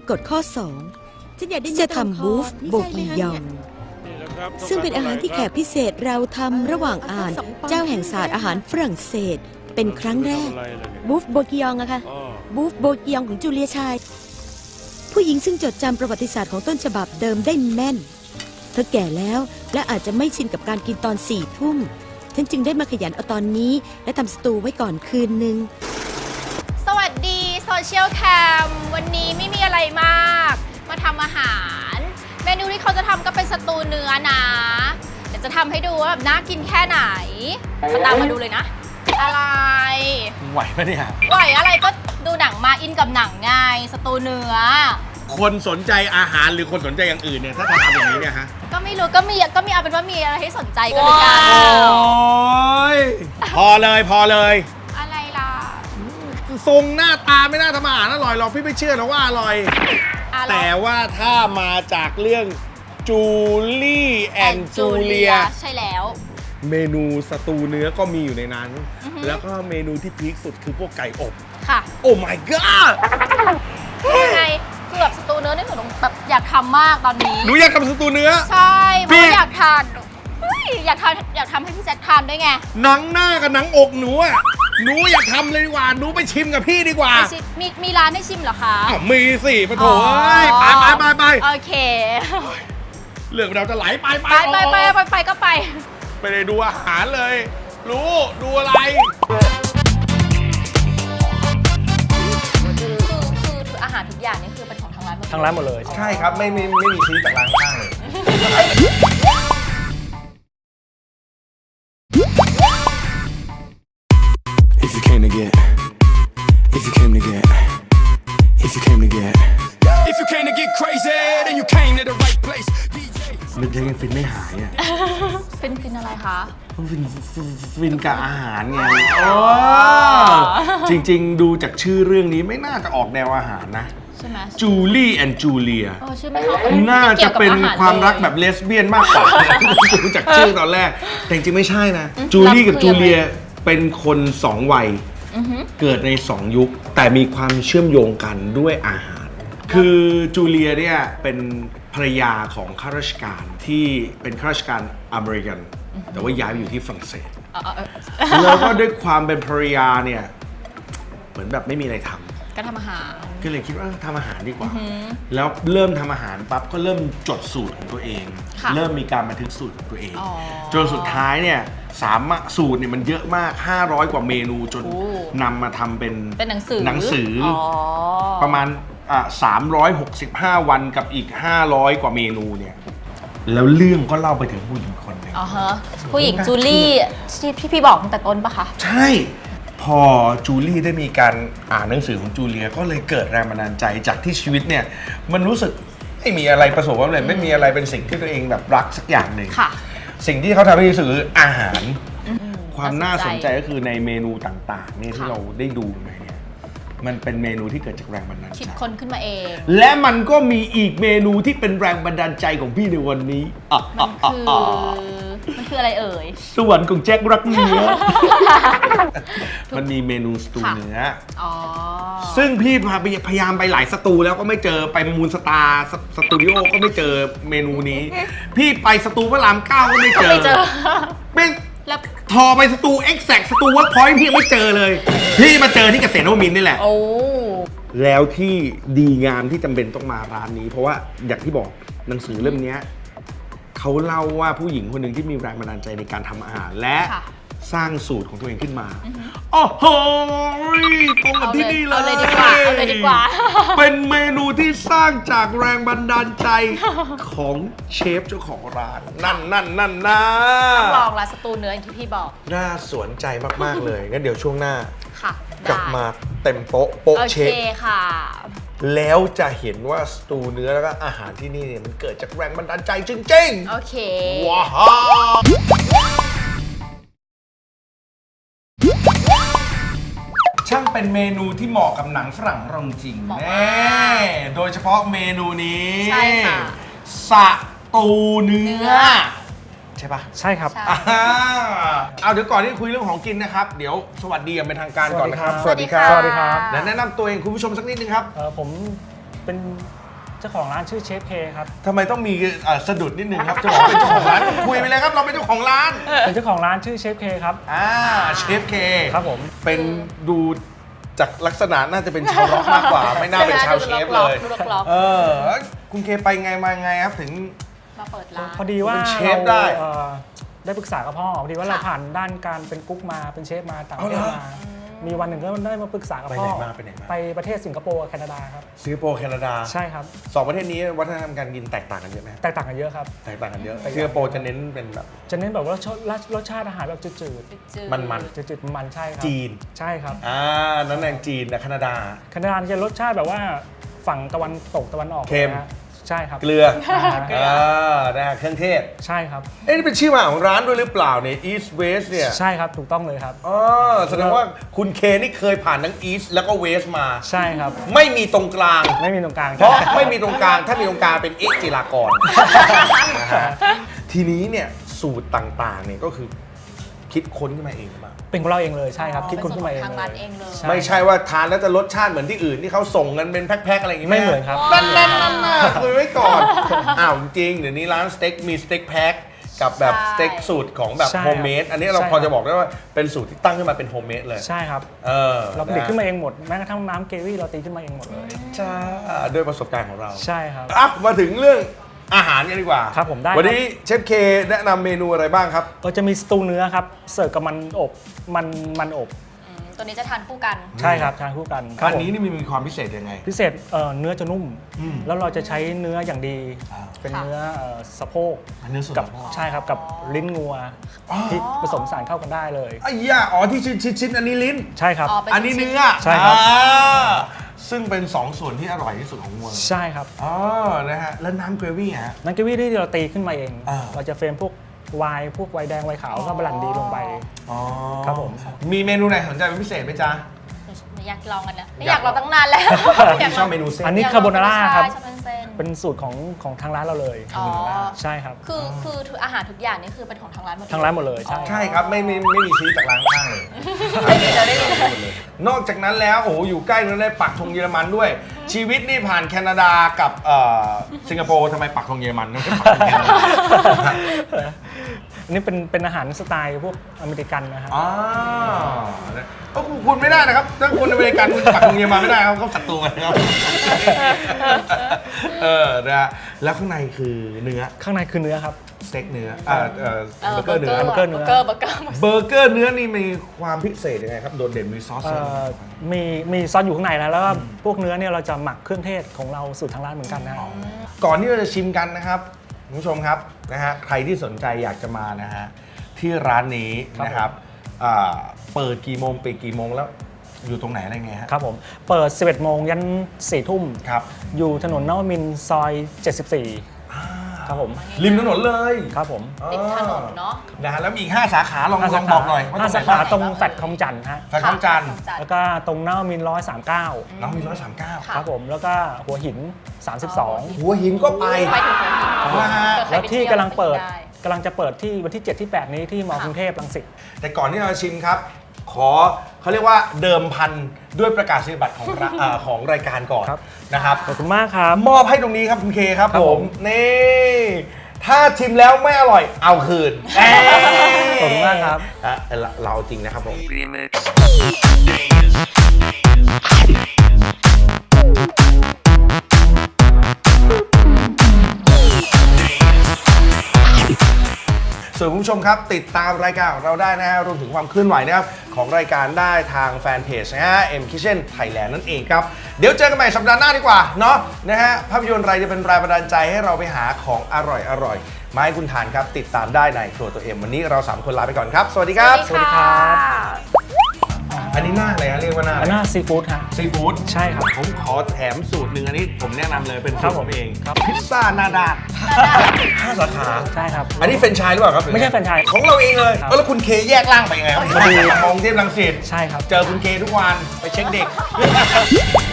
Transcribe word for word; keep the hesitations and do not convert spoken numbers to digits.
กฎข้อสองที่จะทำบูฟโบกียองซึ่งเป็นอาหารที่แขกพิเศษเราทำระหว่างอ่านเจ้าแห่งศาสตร์อาหารฝรั่งเศสเป็นครั้งแรกบูฟโบกียองอะค่ะบูฟโบกียองของจูเลียชายผู้หญิงซึ่งจดจำประวัติศาสตร์ของต้นฉบับเดิมได้แม่นเธอแก่แล้วและอาจจะไม่ชินกับการกินตอนสี่ทุ่มฉันจึงได้มาขยันเอาตอนนี้และทำสตูไว้ก่อนคืนนึงสวัสดีโซเชียลแคมวันนี้ไม่มีอะไรมากมาทำอาหารเมนูที่เขาจะทำก็เป็นสตูเนื้อนะเดี๋ยวจะทำให้ดูว่าแบบน่ากินแค่ไหนมาตามมาดูเลยนะอะไรไหวไหมเนี่ยไหวอะไรก็ดูหนังมาอินกับหนังไงสตูเนื้อคนสนใจอาหารหรือคนสนใจอย่างอื่นเนี่ยถ้าทำอย่างนี้เนี่ยฮะก็ไม่รู้ก็มีก็มีเอาเป็นว่ามีอะไรให้สนใจกันเลยกันโอ้ยพอเลยพอเลยอะไรล่ะทรงหน้าตาไม่น่าทำอาหารอร่อยหรอกพี่ไม่เชื่อหรอกว่าอร่อยแต่ว่าถ้ามาจากเรื่องจูลี่แอนด์จูเลียใช่แล้วเมนูสตูเนื้อก็มีอยู่ในนั้นแล้วก็เมนูที่พีคสุดคือพวกไก่อบค่ะโอ้ my god ยังไงคือแบบสตูเนื้อนี่หนูแบบอยากทำมากตอนนี้หนูอยากทำสตูเนื้อใช่เพราะอยากทานอยากทานอยากทำให้พี่แจ็คทานด้วยไงหนังหน้ากับหนังอกหนูอ่ะหนูอยากทำเลยดีกว่าหนูไปชิมกับพี่ดีกว่ามีมีร้านให้ชิมเหรอคะอ้าวมีสิปะโถไปไปไปไปโอเคเรื่องเราจะไหลไปไปไปไปไปไปก็ไปไปเลยดูอาหารเลยรู้ดูอะไรคืออาหารทุกอย่างนี่คือเป็นของทางร้านหมดทางร้านหมดเลยใช่ครับไม่ไม่ไม่มีซื้อจากร้านข้างเลยIf you came to get If you came to get If you came to get If you came to get crazy then you came to the right place มันยังฟินไม่หายอ่ะฟินฟินอะไรคะฟินฟินกับอาหารไงจริงๆดูจากชื่อเรื่องนี้ไม่น่าจะออกแนวอาหารนะใช่ไหมจูลี่แอนด์จูเลียชื่อไม่เข้าน่าจะเป็นความรักแบบเลสเบี้ยนมากกว่าดูจากชื่อตอนแรกแต่จริงๆไม่ใช่นะจูลี่กับจูเลียเป็นคนสองวัยเกิดในสองยุคแต่มีความเชื่อมโยงกันด้วยอาหารคือจูเลียเนี่ยเป็นภรรยาของข้าราชการที่เป็นข้าราชการอเมริกันแต่ว่าย้ายไปอยู่ที่ฝรั่งเศสแล้วก็ด้วยความเป็นภรรยาเนี่ยเหมือนแบบไม่มีอะไรทำก็ทำอาหารก็เลยคิดว่าทำอาหารดีกว่าแล้วเริ่มทำอาหารปั๊บก็เริ่มจดสูตรของตัวเองเริ่มมีการบันทึกสูตรของตัวเองจนสุดท้ายเนี่ยสามสูตรเนี่ยมันเยอะมากห้าร้อยกว่าเมนูจนนำมาทำเป็นเป็นหนังสือหนังสือประมาณอ่ะสามร้อยหกสิบห้าวันกับอีกห้าร้อยกว่าเมนูเนี่ยแล้วเรื่องก็เล่าไปถึงผู้หญิงคนหนึ่งอ๋อฮะผู้หญิงจูลี่ที่พี่บอกตั้งแต่ต้นปะคะใช่พอจูลี่ได้มีการอ่านหนังสือของจูเลียก็เลยเกิดแรงบันดาลใจจากที่ชีวิตเนี่ยมันรู้สึกไม่มีอะไรประสบความสำเร็จไม่มีอะไรเป็นสิ่งที่ตัวเองแบบรักสักอย่างหนึ่งสิ่งที่เขาทำให้รู้สึกคืออาหารความน่าสนใจก็คือในเมนูต่างๆนี่ที่เราได้ดูไปเนี่ยมันเป็นเมนูที่เกิดจากแรงบันดาลใจคิดค้นขึ้นมาเองและมันก็มีอีกเมนูที่เป็นแรงบันดาลใจของพี่ในวันนี้มันคือมันคืออะไรเอ่ยสวรรค์ของแจ็ครักเนื้อมันมีเมนูสตูเนื้อซึ่งพี่พยายามไปหลายสตูแล้วก็ไม่เจอไปมูนสตาร์สตูดิโอก็ไม่เจอเมนูนี้พี่ไปสตูพระรามเก้าก็ไม่เจอไม่ทอไปสตูเอ็กแซกสตูเวิร์กพอยต์พี่ไม่เจอเลยพี่มาเจอที่เกษตรนวมินทร์นี่แหละแล้วที่ดีงามที่จำเป็นต้องมาร้านนี้เพราะว่าอย่างที่บอกหนังสือเล่มนี้เขาเล่าว่าผู้หญิงคนหนึ่งที่มีแรงบันดาลใจในการทำอาหารและสร้างสูตรของตัวเองขึ้นมาโอ้โหตรงกับที่นี่เลยเอาเลยดีกว่าเอาเลยดีกว่าเป็นเมนูที่สร้างจากแรงบันดาลใจของเชฟเจ้าของร้านนั่นนั่นนั่นนะลองละสตูเนื้ออย่างที่พี่บอกน่าสนใจมากๆเลยงั้นเดี๋ยวช่วงหน้า กลับมาเต็มโป๊ะโป๊ะเชฟค่ะแล้วจะเห็นว่าสตูเนื้อแล้วก็อาหารที่นี่เนี่ยมันเกิดจากแรงบันดาลใจจริงๆโอเคว้าวช่างเป็นเมนูที่เหมาะกับหนังฝรั่งเราจริงแน่โดยเฉพาะเมนูนี้ใช่ค่ะสตูเนื้อใช่ปะใช่ครับเอาเดี๋ยวก่อนที่คุยเรื่องของกินนะครับเดี๋ยวสวัสดีอย่างเป็นทางการก่อนนะครับสวัสดีครับสวัสดีครับและแนะนำตัวเองคุณผู้ชมสักนิดนึงครับผมเป็นเจ้าของร้านชื่อเชฟเคครับทำไมต้องมีเอ่อสะดุดนิดนึงครับจะบอกเป็นเจ้าของร้านคุยไปเลยครับเราเป็นเจ้าของร้านเป็นเจ้าของร้านชื่อเชฟเคครับอ่าเชฟเคครับผมเป็นดูจากลักษณะน่าจะเป็นชาวร็อกมากกว่า ไม่น่าเป็นชาวเชฟเลยดูล็อกๆเออคุณเคไปไงมาไงครับถึงมาเปิดร้านพอดีว่าเป็นเชฟราได้เอ่อได้ปรึกษากับพ่อพอดีว่าเราค่ะผ่านด้านการเป็นกุ๊กมาเป็นเชฟมาต่างประเทศเอาเหรอมามีวันหนึ่งก็ได้มาปรึกษากับไปพ่ไหนอมาไปไหนมาไปประเทศสิงคโปร์กับแคนาดาครับสิงคโปร์แคนาดาใช่ครับสองประเทศนี้วัฒนธรรมการกินแตกต่างกันเยอะไหมแตกต่างกันเยอะครับแตกต่างกันเยอะแตกต่างสิงคโปร์จะเน้นเป็นแบบจะเน้นแบบว่ารสชาติรสชาติอาหารแบบจืดจืดมันๆจืดๆมันๆใช่ครับจีนใช่ครับอ่านั่นแหละจีนนะแคนาดาแคนาดาจะรสชาติแบบว่าฝั่งตะวันตกตะวันออกเค็มนะฮะใช่ครับเกลืออ่าฮะอ่านะฮะเครื่องเทศใช่ครับเอ๊ะนี่เป็นชื่อมาของร้านด้วยหรือเปล่าเนี่ย East West เนี่ยใช่ครับถูกต้องเลยครับอ๋อแสดงว่าคุณเคนี่เคยผ่านทั้ง East แล้วก็ West มาใช่ครับไม่มีตรงกลางไม่มีตรงกลางเพราะไม่มีตรงกลาง ถ้ามีตรงกลางเป็นเอกจิรากรนะฮะทีนี้เนี่ยสูตรต่างๆเนี่ยก็คือคิดค้นขึ้นมาเองหรือเปล่าเป็นของเราเองเลยใช่ครับคิดคนขึ้นมาเองทางเลร้านยเองเลยใช่ไม่ใช่ว่าทานแล้วจะรสชาติเหมือนที่อื่นที่เขาส่งกันเป็นแพ็คๆอะไรอย่างงี้ไม่เหมือนครับนั่นนั่นนั่นน่ะคุยไว้ก่อน อ้าวจริงๆเดี๋ยวนี้ร้านสเต็กมีสเต็กแพ็คกับแบบสเต็กสูตรของแบบใช่โฮมเมดอันนี้เราใช่พอจะบอกได้ว่าเป็นสูตรที่ตั้งขึ้นมาเป็นโฮมเมดเลยใช่ครับเออเราผลิตขึ้นมาเองหมดแม้กระทั่งน้ำเกวี่เราตีขึ้นมาเองหมดเลยจ้าด้วยประสบการณ์ของเราใช่ครับอ่ะมาถึงเรื่องอาหารกันดีกว่าครับผมได้วันนี้เชฟเคแนะนำเมนูอะไรบ้างครับก็จะมีสตูเนื้อครับเสิร์ฟกับมันอบมันมันอบอืมตัวนี้จะทานคู่กันใช่ครับทานคู่กันครัอับนผมนี้นี่มีความพิเศษยังไงพิเศษเอ่อเนื้อจะนุ่มอืมแล้วเราจะใช้เนื้ออย่างดีอ่าเป็นค่ะเนื้อเอ่อสะโพกอันนี้ส่วนกับสะโพกใช่ครับกับลิ้นงัวอ๋อที่ผสมสารเข้ากันได้เลยไอ้ย่าอ๋อที่ชิ้นชิ้นชิ้นอันนี้ลิ้นใช่ครับอ๋อเป็นอันนี้ชิ้นเนื้อใช่ครับอ่าซึ่งเป็นสองส่วนที่อร่อยที่สุดของวัวใช่ครับอ๋อนะฮะแล้วน้ำเกรวี่ฮะนันเกวี่ที่เราตีขึ้นมาเองอ่าเราจะเฟรมพวกไวน์พวกไวน์แดงไวน์ขาวแล้วก็บรันดีลงไปอ๋อครับผมมีเมนูไหนสนใจเป็นพิเศษไหมจ๊ะอยากลองกันนะไม่อยากลองตั้งนานแล้วพี่ชอบเมนูเส้นอันนี้อยกลงคาโบนาร่าครับใช่ชอบเป็นเส้นเป็นสูตรของของทางร้านเราเลยอ๋อใช่ครับคือคือทุกอาหารทุกอย่างนี่คือเป็นของทางร้านหมดเลยทางร้านหมดเลยใช่ใช่ครับไม่ไม่ไม่มีซื้อจากร้านข้างเลยได้ยินแล้วได้ยินนอกจากนั้นแล้วโอ้โหอยู่ใกล้นั้นได้ปักธงเยอรมันด้วย ชีวิตนี่ผ่านแคนาดากับเอ่อสิงคโปร์ทำไมปักธงเยอรมันไม่ใช่ปักธงแคนาดาอันนี้เป็นเป็นอาหารสไตล์พวกอเมริกันนะครับอ๋อก็คุณไม่ได้นะครับถ้าคุณอเมริกันคุณปักธงเยอรมันไม่ได้ครับเขาศัตรูกันครับเออนะฮะแล้วข้างในคือเนื้อข้างในคือเนื้อครับสเต็กเนื้ออ่าเอ่อเบอร์เกอร์เนื้อเบอร์เกอร์เนื้อเบอร์เกอร์เบอร์เกอร์เบอร์เกอร์เนื้อนี่มีความพิเศษยังไงครับโดดเด่นมีซอสเอ่อะไรอมีมีซอสอยู่ข้างในนะแล้วก็พวกเนื้อเนี่ยเราจะหมักเครื่องเทศของเราสูตรทางร้านเหมือนกันนะก่อนที่เราจะชิมกันนะครับคุณผู้ชมครับนะฮะใครที่สนใจอยากจะมานะฮะที่ร้านนี้นะครับอ่าเปิดกี่โมงปิดกี่โมงแล้วอยู่ตรงไหนอะไรไงฮะครับผมเปิด สิบเอ็ดโมงยันสี่ทุ่มครับอยู่ถนนนวมินทร์ซอย เจ็ดสิบสี่อ่าครับผมริมถนนเลยครับผมติดถนนเนาะนะฮะแล้วมีอีกห้าสาขาลองห้าลสาองขาบอกหน่อยว่าห้าตรสางไหนขาบ้างตรงแฟลตคลองจันทร์ฮะแฟลตคลองจันทร์แล้วก็ตรงนวมินทร์ร้อยสามเก้าน้องมีร้อยสามเก้าค่ะครับผมแล้วก็หัวหิน สามสิบสองหัวหินก็ไปไปถึงหัวหินนะฮะเผื่อใครแล้วไปที่เยวกำลังเปิดไกำลังจะเปิดที่วันที่ เจ็ด ที่ แปด นี้ที่มอกรุงเทพรังสิตแต่ก่อนที่เราจะชิมครับ ขอเขาเรียกว่าเดิมพันด้วยประกาศนียบัตรของร้านเอ่อของรายการก่อนครับนะครับขอบคุณมากครับมอบให้ตรงนี้ครับคุณเคครับครับผผม มนี่ถ้าชิมแล้วไม่อร่อยเอาคืนขอบคุณมากครับอ่ะเราเราเอาจริงนะครับผม ส่วนคุณผู้ชมครับติดตามรายการของเราได้นะฮะรวมถึงความเคลื่อนไหวนะครับของรายการได้ทางแฟนเพจนะฮะ M Kitchen Thailand นั่นเองครับ เดี๋ยวเจอกันใหม่สัปดาห์หน้าดีกว่าเนาะนะฮะภาพยนตร์อะไรจะเป็นแรงบันดาลใจให้เราไปหาของอร่อยอร่อยมาให้คุณทานครับ ติดตามได้ในครัวตัวเอ็มวันนี้เราสามคนลาไปก่อนครับ สวัสดีครับสวัสดีค่ะอันนี้หน้าอะไรฮะเรียกว่าหน้าอันน่าซีฟู้ดฮะซีฟู้ดใช่ครับผมขอแถมสูตรหนึ่งอันนี้ผมแนะนำเลยเป็นครัสูตบรผผม มเองครับพิซซ่าหน้าด้านห้าสาขาใช่ครับอันนี้แฟรนไชส์หรือเปล่าครับไม่ใช่แฟรนไชส์ของเราเองเลยครับเออแล้วคุณเคแยกร่างไปยังไงครับพอดีมองเทพรังสิตใช่ครับเจอคุณเคทุกวันไปเช็คเด็ก